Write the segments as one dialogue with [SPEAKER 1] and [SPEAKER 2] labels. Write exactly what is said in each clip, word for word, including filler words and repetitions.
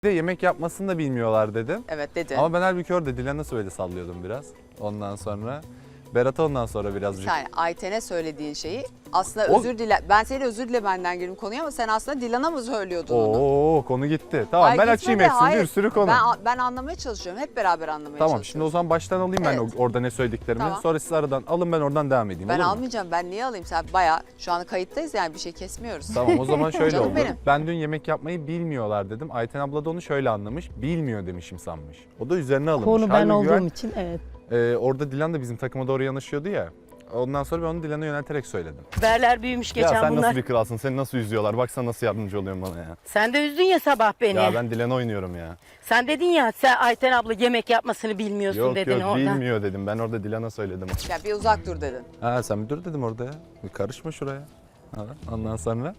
[SPEAKER 1] de yemek yapmasını da bilmiyorlar dedim.
[SPEAKER 2] Evet dedi.
[SPEAKER 1] Ama ben halbuki orada Dilan'a nasıl böyle sallıyordum biraz. Ondan sonra Berat'a ondan sonra birazcık.
[SPEAKER 2] Yani Ayten'e söylediğin şeyi aslında
[SPEAKER 1] O-
[SPEAKER 2] özür dile. Ben seni özür dile benden girdim konuya ama sen aslında Dilan'a mı söylüyordun onu?
[SPEAKER 1] Oo konu gitti. Tamam
[SPEAKER 2] Ay,
[SPEAKER 1] ben
[SPEAKER 2] gitmedi,
[SPEAKER 1] açayım hepsini,
[SPEAKER 2] hayır.
[SPEAKER 1] bir sürü konu.
[SPEAKER 2] Ben, ben anlamaya çalışıyorum. Hep beraber anlamaya
[SPEAKER 1] Tamam şimdi
[SPEAKER 2] çalışıyoruz.
[SPEAKER 1] o zaman baştan alayım ben
[SPEAKER 2] Evet.
[SPEAKER 1] o- orada ne söylediklerimi.
[SPEAKER 2] Tamam.
[SPEAKER 1] Sonra siz aradan alın, ben oradan devam edeyim.
[SPEAKER 2] Ben
[SPEAKER 1] olur mu?
[SPEAKER 2] almayacağım. Ben niye alayım? Sen bayağı şu an kayıttayız yani bir şey kesmiyoruz.
[SPEAKER 1] Tamam o zaman şöyle
[SPEAKER 2] Canım
[SPEAKER 1] oldu.
[SPEAKER 2] benim.
[SPEAKER 1] Ben dün yemek yapmayı bilmiyorlar dedim. Ayten abla da onu şöyle anlamış. Bilmiyor demişim sanmış. O da üzerine alınmış.
[SPEAKER 3] Konu ben
[SPEAKER 1] Halbuki
[SPEAKER 3] olduğum için evet.
[SPEAKER 1] e, orada Dilan da bizim takıma doğru yanaşıyordu ya. Ondan sonra ben onu Dilan'a yönelterek söyledim.
[SPEAKER 3] Berler büyümüş geçen
[SPEAKER 1] ya sen
[SPEAKER 3] bunlar.
[SPEAKER 1] nasıl bir kralsın? Seni nasıl üzüyorlar? Baksana nasıl yardımcı oluyorsun bana ya.
[SPEAKER 3] Sen de üzdün ya sabah beni.
[SPEAKER 1] Ya ben Dilan'a oynuyorum ya.
[SPEAKER 3] Sen dedin ya sen Ayten abla yemek yapmasını bilmiyorsun
[SPEAKER 1] Yok
[SPEAKER 3] dedin
[SPEAKER 1] yok
[SPEAKER 3] orada.
[SPEAKER 1] bilmiyor dedim. Ben orada Dilan'a söyledim.
[SPEAKER 2] Ya bir uzak dur dedin.
[SPEAKER 1] Ha sen bir dur dedim orada ya. Bir karışma şuraya. Ha, ondan sonra.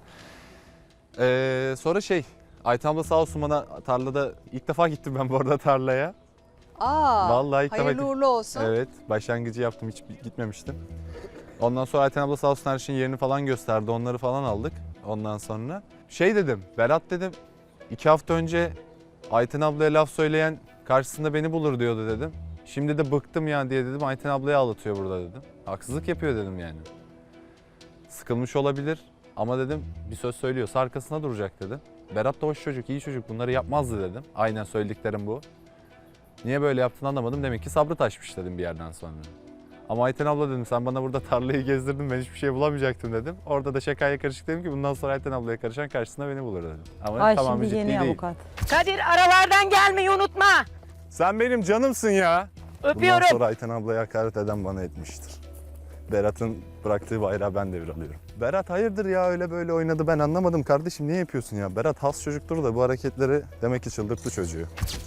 [SPEAKER 1] Ee, sonra şey. Ayten abla sağ olsun bana tarlada ilk defa gittim ben bu arada tarlaya.
[SPEAKER 2] Aa,
[SPEAKER 1] Vallahi ilk defa
[SPEAKER 2] hayırlı
[SPEAKER 1] gittim.
[SPEAKER 2] uğurlu olsun.
[SPEAKER 1] Evet, başlangıcı yaptım, hiç gitmemiştim. Ondan sonra Ayten abla sağ olsun her şeyin yerini falan gösterdi, onları falan aldık. Ondan sonra şey dedim, Berat dedim, iki hafta önce Ayten ablaya laf söyleyen karşısında beni bulur diyordu dedim. Şimdi de bıktım ya diye dedim, Ayten ablayı ağlatıyor burada dedim. Haksızlık yapıyor dedim yani. Sıkılmış olabilir ama dedim bir söz söylüyorsa arkasına duracak dedim. Berat da hoş çocuk, iyi çocuk, bunları yapmazdı dedim. Aynen söylediklerim bu. Niye böyle yaptığını anlamadım. Demek ki sabrı taşmış dedim bir yerden sonra. Ama Ayten abla dedim sen bana burada tarlayı gezdirdin, ben hiçbir şey bulamayacaktım dedim. Orada da şakaya karışık dedim ki bundan sonra Ayten ablaya karışan karşısında beni bulur dedim. Ama
[SPEAKER 4] Ay
[SPEAKER 1] tamam
[SPEAKER 4] şimdi
[SPEAKER 1] ciddi
[SPEAKER 4] yeni
[SPEAKER 1] değil.
[SPEAKER 4] avukat.
[SPEAKER 3] Kadir aralardan gelmeyi unutma.
[SPEAKER 1] Sen benim canımsın ya. Bundan
[SPEAKER 3] Öpüyorum.
[SPEAKER 1] sonra Ayten ablaya hakaret eden bana etmiştir. Berat'ın bıraktığı bayrağı ben devralıyorum. Berat hayırdır ya öyle böyle oynadı, ben anlamadım kardeşim, niye yapıyorsun ya? Berat has çocuktur da bu hareketleri demek ki çıldırttı çocuğu.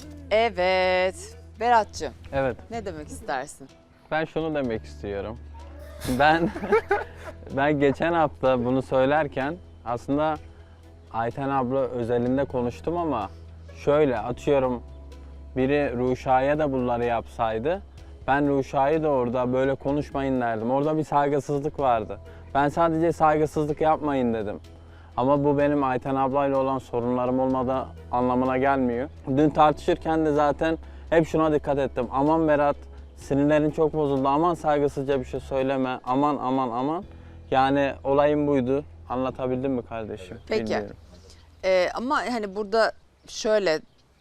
[SPEAKER 2] Evet. Berat'cığım
[SPEAKER 5] Evet,
[SPEAKER 2] ne demek istersin?
[SPEAKER 5] ben şunu demek istiyorum. Ben ben geçen hafta bunu söylerken aslında Ayten abla özelinde konuştum ama şöyle atıyorum biri Ruşa'ya da bunları yapsaydı ben Ruşa'yı da orada böyle konuşmayın derdim. Orada bir saygısızlık vardı. Ben sadece saygısızlık yapmayın dedim. Ama bu benim Ayten ablayla olan sorunlarım olmadığı anlamına gelmiyor. Dün tartışırken de zaten hep şuna dikkat ettim. Aman Berat, sinirlerin çok bozuldu. Aman saygısızca bir şey söyleme. Aman aman aman. Yani olayım buydu. Anlatabildim mi kardeşim?
[SPEAKER 2] Peki.
[SPEAKER 5] Bilmiyorum.
[SPEAKER 2] Ee, ama hani burada şöyle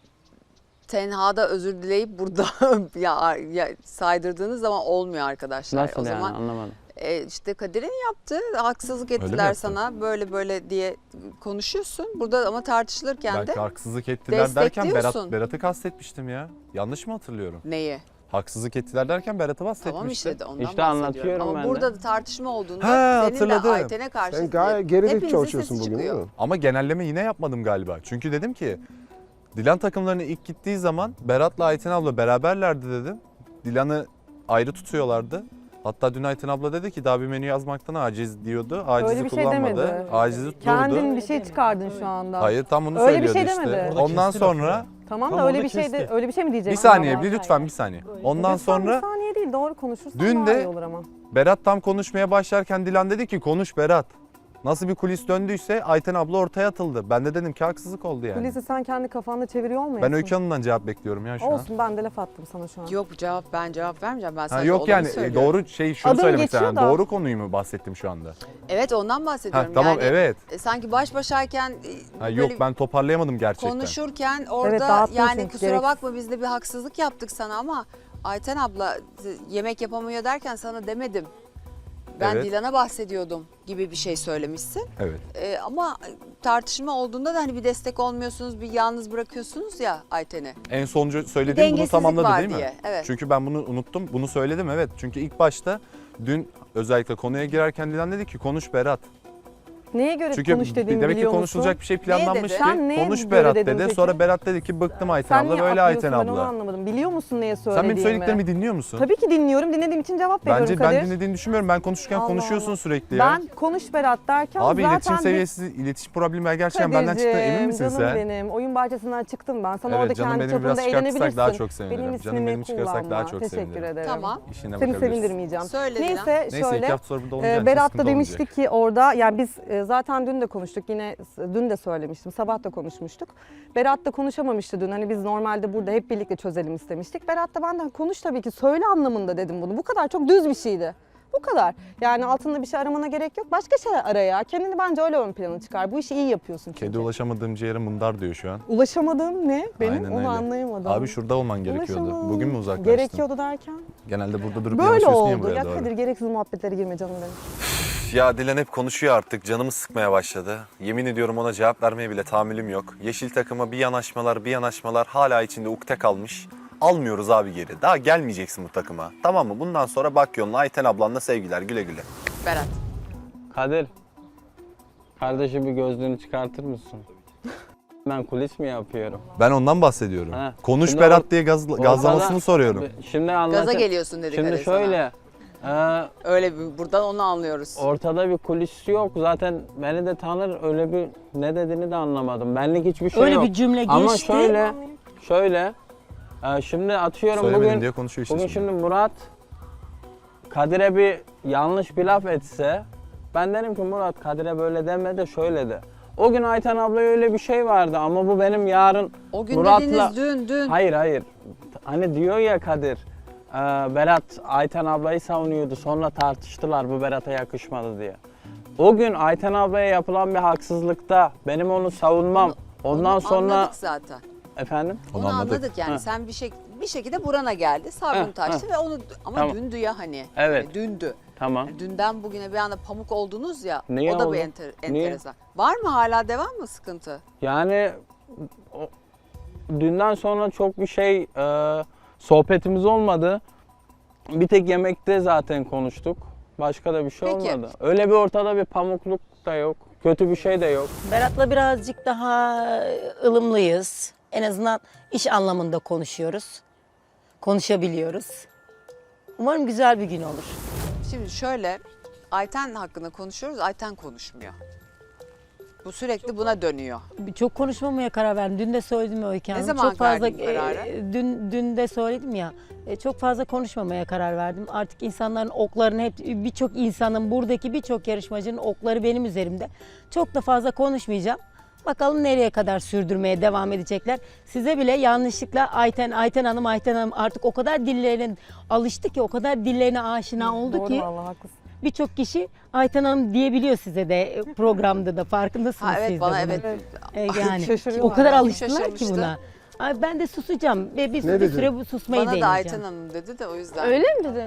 [SPEAKER 2] tenhada özür dileyip burada ya, ya saydırdığınız zaman olmuyor arkadaşlar.
[SPEAKER 5] Nasıl
[SPEAKER 2] o
[SPEAKER 5] yani
[SPEAKER 2] zaman
[SPEAKER 5] anlamadım.
[SPEAKER 2] e, işte Kadir'in yaptı. Haksızlık
[SPEAKER 1] Öyle mi
[SPEAKER 2] ettiler
[SPEAKER 1] yaptı?
[SPEAKER 2] sana. Böyle böyle diye konuşuyorsun. Burada ama tartışılırken
[SPEAKER 1] Belki
[SPEAKER 2] de
[SPEAKER 1] haksızlık ettiler derken Berat,
[SPEAKER 2] destekliyorsun.
[SPEAKER 1] Berat'ı kastetmiştim ya. Yanlış mı hatırlıyorum?
[SPEAKER 2] neyi?
[SPEAKER 1] Haksızlık ettiler derken Berat'ı bahsetmiştim.
[SPEAKER 2] Tamam işte de ondan
[SPEAKER 5] İşte
[SPEAKER 2] bahsediyorum.
[SPEAKER 5] anlatıyorum
[SPEAKER 2] Ama
[SPEAKER 5] ben de.
[SPEAKER 2] burada da tartışma olduğunda
[SPEAKER 1] Ha,
[SPEAKER 2] senin
[SPEAKER 1] hatırladım.
[SPEAKER 2] de Ayten'e karşı
[SPEAKER 6] Sen gayet gerilik
[SPEAKER 2] hepinizin
[SPEAKER 6] çalışıyorsun
[SPEAKER 2] sesi
[SPEAKER 6] bugün değil
[SPEAKER 2] çıkıyor.
[SPEAKER 6] mi?
[SPEAKER 1] Ama genelleme yine yapmadım galiba. Çünkü dedim ki Dilan takımlarına ilk gittiği zaman Berat'la Ayten abla beraberlerdi dedim. Dilan'ı ayrı tutuyorlardı. Hatta dün Ayten abla dedi ki daha bir menü yazmaktan aciz diyordu. Acizi
[SPEAKER 4] Öyle bir şey
[SPEAKER 1] kullanmadı.
[SPEAKER 4] demedi.
[SPEAKER 1] Acizi tutturdu.
[SPEAKER 4] Kendin bir şey çıkardın şu anda.
[SPEAKER 1] Hayır tam bunu
[SPEAKER 4] Öyle bir
[SPEAKER 1] söylüyordu
[SPEAKER 4] şey
[SPEAKER 1] işte.
[SPEAKER 4] demedi.
[SPEAKER 7] Orada
[SPEAKER 1] Ondan
[SPEAKER 7] kesti lafı
[SPEAKER 1] sonra
[SPEAKER 7] ya.
[SPEAKER 4] Tamam
[SPEAKER 7] Tam
[SPEAKER 4] da öyle
[SPEAKER 7] orada
[SPEAKER 4] bir şey de
[SPEAKER 7] kesti.
[SPEAKER 4] öyle bir şey mi
[SPEAKER 1] bir
[SPEAKER 4] diyeceksin?
[SPEAKER 1] saniye
[SPEAKER 4] ama?
[SPEAKER 1] bir lütfen bir saniye. Ondan
[SPEAKER 4] Lütfen
[SPEAKER 1] sonra
[SPEAKER 4] bir saniye değil doğru konuşursan
[SPEAKER 1] Dün
[SPEAKER 4] daha
[SPEAKER 1] de-
[SPEAKER 4] iyi olur ama.
[SPEAKER 1] Berat tam konuşmaya başlarken Dilan dedi ki konuş Berat. Nasıl bir kulis döndüyse Ayten abla ortaya atıldı. Ben de dedim ki haksızlık oldu yani.
[SPEAKER 4] Kulisi sen kendi kafanda çeviriyor olmayasın?
[SPEAKER 1] Ben Öykü Hanım'dan cevap bekliyorum ya şu an.
[SPEAKER 4] Olsun ben de laf attım sana şu an.
[SPEAKER 2] Yok bu cevap ben cevap vermeyeceğim. Ben
[SPEAKER 1] Ha,
[SPEAKER 2] sadece
[SPEAKER 1] yok
[SPEAKER 2] olanı
[SPEAKER 1] yani e,
[SPEAKER 2] söylüyorum.
[SPEAKER 1] doğru şey şunu
[SPEAKER 4] Adım
[SPEAKER 1] söylemek
[SPEAKER 4] geçiyor
[SPEAKER 1] istedim.
[SPEAKER 4] da.
[SPEAKER 1] Doğru konuyu mu bahsettim şu anda?
[SPEAKER 2] Evet ondan
[SPEAKER 1] Ha,
[SPEAKER 2] bahsediyorum.
[SPEAKER 1] tamam
[SPEAKER 2] yani,
[SPEAKER 1] evet.
[SPEAKER 2] e, sanki baş başayken e,
[SPEAKER 1] Ha,
[SPEAKER 2] böyle
[SPEAKER 1] yok ben toparlayamadım gerçekten.
[SPEAKER 2] konuşurken orada
[SPEAKER 4] dağıttın
[SPEAKER 2] yani
[SPEAKER 4] çünkü,
[SPEAKER 2] kusura
[SPEAKER 4] gereksiz.
[SPEAKER 2] bakma biz de bir haksızlık yaptık sana ama Ayten abla e, yemek yapamıyor derken sana demedim. Ben
[SPEAKER 1] Evet.
[SPEAKER 2] Dilan'a bahsediyordum gibi bir şey söylemişsin.
[SPEAKER 1] Evet.
[SPEAKER 2] E, ama tartışma olduğunda da hani bir destek olmuyorsunuz, bir yalnız bırakıyorsunuz ya Ayten'i.
[SPEAKER 1] En sonuncu
[SPEAKER 2] Bir
[SPEAKER 1] söylediğim bunu
[SPEAKER 2] dengesizlik
[SPEAKER 1] tamamladı
[SPEAKER 2] var
[SPEAKER 1] değil mi?
[SPEAKER 2] diye. Evet.
[SPEAKER 1] Çünkü ben bunu unuttum. Bunu söyledim evet. Çünkü ilk başta dün özellikle konuya girerken Dilan dedi ki konuş Berat.
[SPEAKER 4] Neye göre
[SPEAKER 1] Çünkü
[SPEAKER 4] konuş dediğimi
[SPEAKER 1] demek ki
[SPEAKER 4] biliyor
[SPEAKER 1] konuşulacak
[SPEAKER 4] musun?
[SPEAKER 1] bir şey planlanmış
[SPEAKER 2] dedi?
[SPEAKER 1] ki
[SPEAKER 4] Sen neye
[SPEAKER 1] konuş
[SPEAKER 4] göre
[SPEAKER 1] Berat
[SPEAKER 4] dedin
[SPEAKER 1] dedi.
[SPEAKER 4] peki?
[SPEAKER 1] Sonra Berat dedi ki bıktım Ayten
[SPEAKER 4] Sen
[SPEAKER 1] abla
[SPEAKER 4] niye
[SPEAKER 1] böyle Ayten
[SPEAKER 4] atlıyorsun ben onu
[SPEAKER 1] abla.
[SPEAKER 4] anlamadım. Biliyor musun neye
[SPEAKER 1] Sen
[SPEAKER 4] söylediğimi?
[SPEAKER 1] benim söylediklerimi dinliyor musun?
[SPEAKER 4] Tabii ki dinliyorum. Dinlediğim için cevap veriyorum
[SPEAKER 1] Bence
[SPEAKER 4] Kadir.
[SPEAKER 1] ben dinlediğini düşünmüyorum. Ben konuşurken
[SPEAKER 4] Allah
[SPEAKER 1] konuşuyorsun
[SPEAKER 4] Allah.
[SPEAKER 1] sürekli ya.
[SPEAKER 4] Ben konuş Berat derken
[SPEAKER 1] Abi
[SPEAKER 4] zaten
[SPEAKER 1] iletişim
[SPEAKER 4] bir-
[SPEAKER 1] seviyesi, iletişim problemi gerçekten benden çıktı emin misin
[SPEAKER 4] canım
[SPEAKER 1] sen?
[SPEAKER 4] benim. Oyun bahçesinden çıktım ben. Sana
[SPEAKER 1] Evet
[SPEAKER 4] orada
[SPEAKER 1] canım
[SPEAKER 4] kendi
[SPEAKER 1] benim
[SPEAKER 4] çapında
[SPEAKER 1] biraz çıkartırsak
[SPEAKER 4] eğlenebilirsin.
[SPEAKER 1] daha çok sevinirim.
[SPEAKER 4] Benim
[SPEAKER 1] Canım
[SPEAKER 4] ismimi
[SPEAKER 1] benim çıkarsak
[SPEAKER 4] kullanma.
[SPEAKER 1] daha çok
[SPEAKER 4] Teşekkür
[SPEAKER 1] sevinirim.
[SPEAKER 4] ederim.
[SPEAKER 2] Tamam.
[SPEAKER 1] İşine
[SPEAKER 4] Seni
[SPEAKER 1] bakabilirsin.
[SPEAKER 4] sevindirmeyeceğim.
[SPEAKER 2] Söyle Dilan.
[SPEAKER 4] Neyse
[SPEAKER 1] Neyse iki
[SPEAKER 4] şöyle.
[SPEAKER 1] hafta sonra burada olunca
[SPEAKER 4] e, Berat da demişti ki orada yani biz e, zaten dün de konuştuk. Yine dün de söylemiştim. Sabah da konuşmuştuk. Berat da konuşamamıştı dün. Hani biz normalde burada hep birlikte çözelim istemiştik. Berat da benden konuş tabii ki. Söyle anlamında dedim bunu. Bu kadar çok düz bir şeydi. Bu kadar. Yani altında bir şey aramana gerek yok. Başka şey ara ya. Kendini bence öyle ön plana çıkar. Bu işi iyi yapıyorsun çünkü.
[SPEAKER 1] Kedi ulaşamadığım ciğere mındar diyor şu an.
[SPEAKER 4] Ulaşamadığım ne? Benim
[SPEAKER 1] Aynen
[SPEAKER 4] onu
[SPEAKER 1] öyle.
[SPEAKER 4] anlayamadım.
[SPEAKER 1] Abi şurada olman gerekiyordu.
[SPEAKER 4] Ulaşamadım.
[SPEAKER 1] Bugün mü uzaklaştın?
[SPEAKER 4] Gerekiyordu derken?
[SPEAKER 1] Genelde burada durup
[SPEAKER 4] Böyle
[SPEAKER 1] yanaşıyorsun ya
[SPEAKER 4] oldu.
[SPEAKER 1] buraya
[SPEAKER 4] Ya
[SPEAKER 1] doğru.
[SPEAKER 4] Kadir gereksiz muhabbetlere girme canım benim.
[SPEAKER 1] Ya Dilan hep konuşuyor artık. Canımı sıkmaya başladı. Yemin ediyorum ona cevap vermeye bile tahammülüm yok. Yeşil takıma bir yanaşmalar bir yanaşmalar hala içinde ukde kalmış. Almıyoruz abi geri. Daha gelmeyeceksin bu takıma. Tamam mı? Bundan sonra bak yoluna Ayten ablanla sevgiler. Güle güle.
[SPEAKER 2] Berat.
[SPEAKER 5] Kadir, kardeşim bir gözlüğünü çıkartır mısın? Ben kulis mi yapıyorum?
[SPEAKER 1] Ben ondan bahsediyorum.
[SPEAKER 5] Ha.
[SPEAKER 1] Konuş
[SPEAKER 5] Şimdi
[SPEAKER 1] Berat
[SPEAKER 5] or-
[SPEAKER 1] diye gaz,
[SPEAKER 5] ortada-
[SPEAKER 1] gazlamasını soruyorum.
[SPEAKER 5] Şimdi anlat.
[SPEAKER 2] Gaza geliyorsun dedik
[SPEAKER 5] Şimdi
[SPEAKER 2] Kadir sana.
[SPEAKER 5] şöyle, e,
[SPEAKER 2] Öyle bir, buradan onu anlıyoruz.
[SPEAKER 5] ortada bir kulis yok. Zaten beni de tanır, öyle bir ne dediğini de anlamadım. Benlik hiçbir şey
[SPEAKER 3] Öyle
[SPEAKER 5] yok.
[SPEAKER 3] bir cümle
[SPEAKER 5] Ama
[SPEAKER 3] geçti.
[SPEAKER 5] şöyle, şöyle, e, şimdi atıyorum
[SPEAKER 1] Söylemedin
[SPEAKER 5] bugün,
[SPEAKER 1] diye konuşuyor işte
[SPEAKER 5] bugün
[SPEAKER 1] şimdi.
[SPEAKER 5] şimdi Murat Kadir'e bir yanlış bir laf etse, ben derim ki Murat Kadir'e böyle deme de şöyle de. O gün Ayten ablaya öyle bir şey vardı ama bu benim yarın
[SPEAKER 2] O gün
[SPEAKER 5] Murat'la...
[SPEAKER 2] dediğiniz dün dün.
[SPEAKER 5] Hayır hayır. Hani diyor ya Kadir, e, Berat Ayten ablayı savunuyordu sonra tartıştılar bu Berat'a yakışmadı diye. O gün Ayten ablaya yapılan bir haksızlıkta benim onu savunmam. Ondan
[SPEAKER 2] Onu
[SPEAKER 5] sonra
[SPEAKER 2] anladık zaten.
[SPEAKER 5] efendim
[SPEAKER 2] Onu,
[SPEAKER 1] Onu
[SPEAKER 2] anladık.
[SPEAKER 1] anladık.
[SPEAKER 2] yani.
[SPEAKER 5] Ha.
[SPEAKER 2] Sen bir şey bir şekilde burana geldi. Sabrın
[SPEAKER 5] Ha,
[SPEAKER 2] taştı ve onu ama
[SPEAKER 5] Tamam.
[SPEAKER 2] dündü ya hani.
[SPEAKER 5] Evet.
[SPEAKER 2] Yani dündü.
[SPEAKER 5] tamam.
[SPEAKER 2] Yani dünden bugüne bir anda pamuk oldunuz ya.
[SPEAKER 5] Niye
[SPEAKER 2] o da
[SPEAKER 5] oldu?
[SPEAKER 2] bir enter,
[SPEAKER 5] Niye?
[SPEAKER 2] enteresan. Var mı hala devam mı sıkıntı?
[SPEAKER 5] Yani o, dünden sonra çok bir şey e, sohbetimiz olmadı. Bir tek yemekte zaten konuştuk. Başka da bir şey
[SPEAKER 2] Peki.
[SPEAKER 5] olmadı. Öyle bir ortada bir pamukluk da yok. Kötü bir şey de yok.
[SPEAKER 3] Berat'la birazcık daha ılımlıyız. En azından iş anlamında konuşuyoruz. Konuşabiliyoruz. Umarım güzel bir gün olur.
[SPEAKER 2] Şimdi şöyle Ayten hakkında konuşuyoruz. Ayten konuşmuyor. Bu sürekli buna dönüyor.
[SPEAKER 3] Çok konuşmamaya karar verdim. Dün de söyledim ya Öykü
[SPEAKER 2] Ne
[SPEAKER 3] Hanım.
[SPEAKER 2] zaman
[SPEAKER 3] çok fazla
[SPEAKER 2] verdin kararı?
[SPEAKER 3] e, dün dün de söyledim ya. e, Çok fazla konuşmamaya karar verdim. Artık insanların oklarını hep birçok insanın buradaki birçok yarışmacının okları benim üzerimde. Çok da fazla konuşmayacağım. Bakalım nereye kadar sürdürmeye devam edecekler. Size bile yanlışlıkla Ayten, Ayten Hanım, Ayten Hanım artık o kadar dillerine alıştı ki, o kadar dillerine aşina oldu
[SPEAKER 4] Doğru
[SPEAKER 3] ki
[SPEAKER 4] vallahi haklısın.
[SPEAKER 3] birçok kişi Ayten Hanım diyebiliyor size de e, programda da farkındasınız
[SPEAKER 2] Ha, evet
[SPEAKER 3] siz de
[SPEAKER 2] bana
[SPEAKER 3] bunun.
[SPEAKER 2] evet.
[SPEAKER 3] E, yani
[SPEAKER 4] Şaşırıyorlar.
[SPEAKER 3] o kadar
[SPEAKER 2] Kim
[SPEAKER 3] alıştılar ki
[SPEAKER 2] şaşırmıştı?
[SPEAKER 3] buna. Ay, ben de susacağım ve bir,
[SPEAKER 6] Ne
[SPEAKER 3] bir
[SPEAKER 6] dedi?
[SPEAKER 3] süre bu susmayı
[SPEAKER 2] Bana da
[SPEAKER 3] deneyeceğim.
[SPEAKER 2] Ayten Hanım dedi de o yüzden.
[SPEAKER 4] Öyle mi dedi?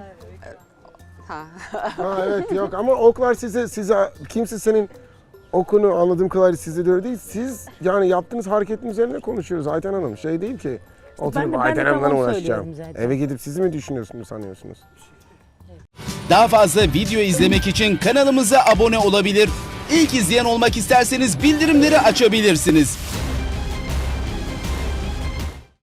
[SPEAKER 2] Ha.
[SPEAKER 6] Ha evet yok ama oklar size size kimse senin okunu anladığım kadarıyla sizde de öyle değil. Siz yani yaptığınız hareketin üzerine konuşuyoruz Ayten Hanım. Şey değil ki
[SPEAKER 3] ben
[SPEAKER 6] oturup
[SPEAKER 3] de- ben de
[SPEAKER 6] Ayten
[SPEAKER 3] tam
[SPEAKER 6] Hanım'la
[SPEAKER 3] onu
[SPEAKER 6] uğraşacağım.
[SPEAKER 3] söylüyorum zaten.
[SPEAKER 6] Eve gidip sizi mi düşünüyorsunuz sanıyorsunuz?
[SPEAKER 7] Daha fazla video izlemek için kanalımıza abone olabilir. İlk izleyen olmak isterseniz bildirimleri açabilirsiniz.